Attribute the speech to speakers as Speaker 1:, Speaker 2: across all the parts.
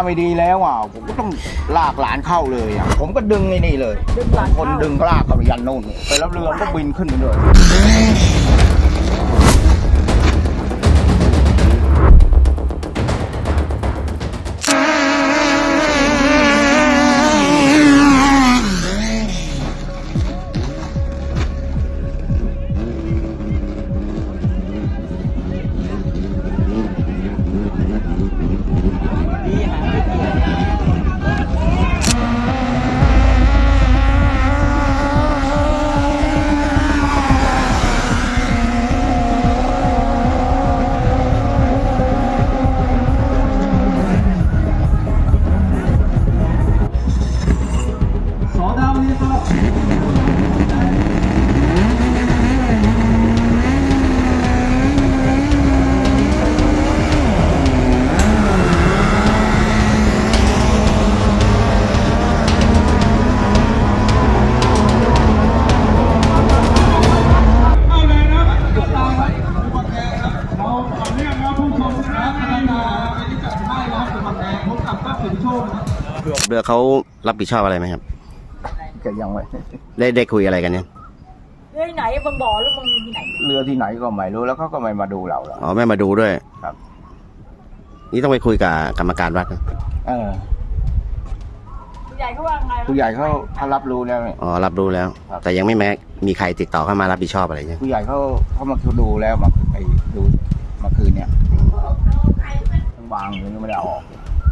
Speaker 1: ไม่ดีแล้วผมก็ต้องลากหลานเข้าเลยผมก็ดึงไอ้นี่เลยคนดึงลากเข้าไปยันโน่นไปแล้วเรือก็บินขึ้นไปเลย
Speaker 2: เรือเขารับผิดชอบอะไรไหมครับ
Speaker 1: ก็ยังไม่
Speaker 2: ได้คุยอะไรกันเนี่ย
Speaker 3: เรือไหนบางบ่อหรือบางที่ไหน
Speaker 1: เรือที่ไหนก็ไม่รู้แล้วเขาก็ไม่มาดูเราแล้ว
Speaker 2: อ๋อไม่มาดูด้วย
Speaker 1: ครับ
Speaker 2: นี่ต้องไปคุยกับกรรมการวัดนะ
Speaker 3: ผู้ใหญ่เขาว่าไง
Speaker 1: ผู้ใหญ่เขารับรู้แล้ว
Speaker 2: อ๋อรับรู้แล้วแต่ยังไม่มีใครติดต่อเข้ามารับผิดชอบอะไรใช่
Speaker 1: ผู้ใหญ่เขามาดูแล้วมาไปดูมาคืนเนี่ยทั้งวางยังไม่ได้เอาออก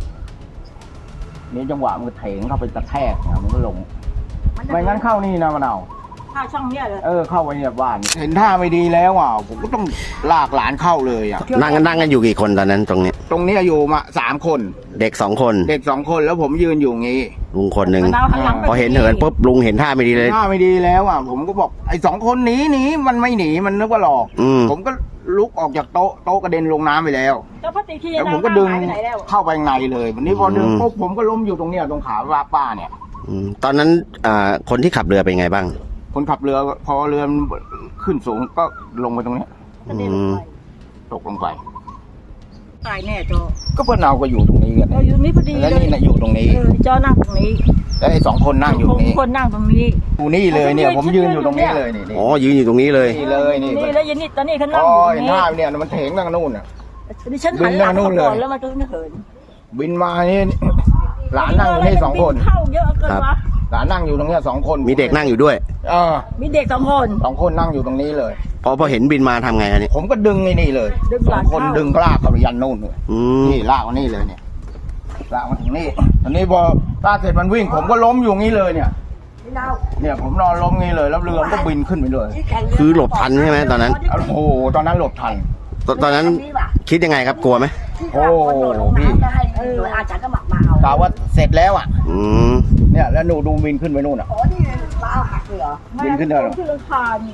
Speaker 1: นี่จังหวะมันเถงเข้าไปกระแทกมันก็ลงไม่งั้นเข้านี่นะมันเอา
Speaker 3: เข้าช่องเนี้ยเลย
Speaker 1: เข้าไปเนี่ยบ้านเห็นท่าไม่ดีแล้วผมก็ต้องลากหลานเข้าเลย
Speaker 2: นั่งกันอยู่กี่คนตอนนั้นตรงนี้
Speaker 1: อยู่มา3 คน
Speaker 2: เด็ก2 คน
Speaker 1: แล้วผมยืนอยู่งี้
Speaker 2: ลุงคนหนึ่งพอเห็นเหินปุ๊บลุงเห็นท่าไม่ดีเลย
Speaker 1: ท่าไม่ดีแล้วผมก็บอกไอ้2 คนหนีมันไม่หนีมันนึกว่าหลอกผมก็ลุกออกจากโต๊ะกระเด็นลงน้ำไปแล้วแล้วผมก็ดึงเข้าไปในเลยวันนี้พอดึงปุ๊บผมก็ล้มอยู่ตรงเนี้ยตรงขาป้าเนี่ย
Speaker 2: ตอนนั้นคนที่ขับเรือเป็นไงบ้าง
Speaker 1: คนขับเรือพอเรือขึ้นสูงก็ลงไปตรงนี้ตกลงไป
Speaker 3: ตายแน่จอ
Speaker 1: ก็เพื่อนเราก็อยู่ตรงนี้กัน
Speaker 3: อยู่นี่พอดี
Speaker 1: แล้วนี่อยู่ตรงนี้
Speaker 3: จอนั่งตรงนี้
Speaker 1: แล้วไอ้2 คนนั่งอยู่ตรงนี้
Speaker 3: คนนั่งตรงนี้
Speaker 1: อยู่นี่เลยเนี่ยผมยืนอยู่ตรงนี้เลยนี่
Speaker 2: อ๋อยืนอยู่ตรงนี้เลย
Speaker 1: นี่เลยนี่
Speaker 3: แล้วยันนี่ตอนนี้เขานั่งอยู่
Speaker 1: นี่เนี่ยมันเถงนั่งนู่น
Speaker 3: ดิฉันหันหลังก่อนแล้วมันก็เหิน
Speaker 1: บินมานี่หลานนั่งอยู่นี่2 คน
Speaker 3: เข้าเยอะเกินวะ
Speaker 1: หลานนั่งอยู่ตรงนี้2 คน
Speaker 2: มีเด็กนั่งอยู่ด้วย
Speaker 3: มีเด็ก2 คน
Speaker 1: 2 คนนั่งอยู่ตรงนี้เลย
Speaker 2: พอเห็นบินมาทำไงอันนี้
Speaker 1: ผมก็ดึงไอ้นี่เลย2 คนดึงลากเข้าไปยันนู่นเลยนี่ลากมานี่เลยเนี่ยลากมาถึงนี่อันนี้พอลากเสร็จมันวิ่งผมก็ล้มอยู่งี้เลยเนี่ยผมนอนล้มงี้เลยแล้วเรือก็บินขึ้นไปเลย
Speaker 2: คือหลบทันใช่ไหมตอนนั้น
Speaker 1: โอ้โหตอนนั้นหลบทัน
Speaker 2: ตอนนั้นคิดยังไงครับกลัวไหม
Speaker 1: โอ้พี่
Speaker 3: อาจารย์ก็มาเอา
Speaker 1: กล่าวว่าเสร็จแล้วเนี่ยแล้วหนูดูบินขึ้นไปนู่น
Speaker 3: อ๋อนี่มาเอาหักเลยเหรอ
Speaker 1: บินขึ้นได้หรอ
Speaker 3: ขึ้นราคานี่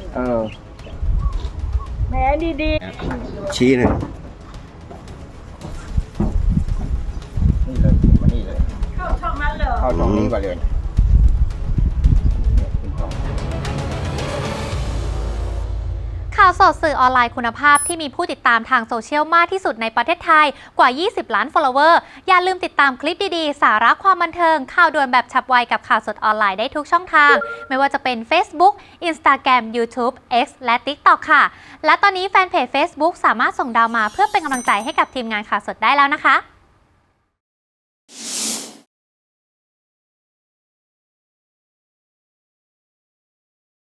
Speaker 3: แม่ดี
Speaker 2: ชี้หนึ่ง
Speaker 1: นี่เลยมานี่เลย
Speaker 3: เข้าช่องนั้นเลย
Speaker 1: เข้าช่องนี้ไปเลย
Speaker 4: ข่าวสดสื่อออนไลน์คุณภาพที่มีผู้ติดตามทางโซเชียลมากที่สุดในประเทศไทยกว่า 20 ล้าน follower อย่าลืมติดตามคลิปดีๆ สาระความบันเทิงข่าวด่วนแบบฉับไวกับข่าวสดออนไลน์ได้ทุกช่องทาง ไม่ว่าจะเป็น Facebook Instagram YouTube X และ TikTok ค่ะ และตอนนี้แฟนเพจ Facebook สามารถส่งดาวมาเพื่อเป็นกำลังใจให้กับทีมงานข่าวสดได้แล้วนะคะ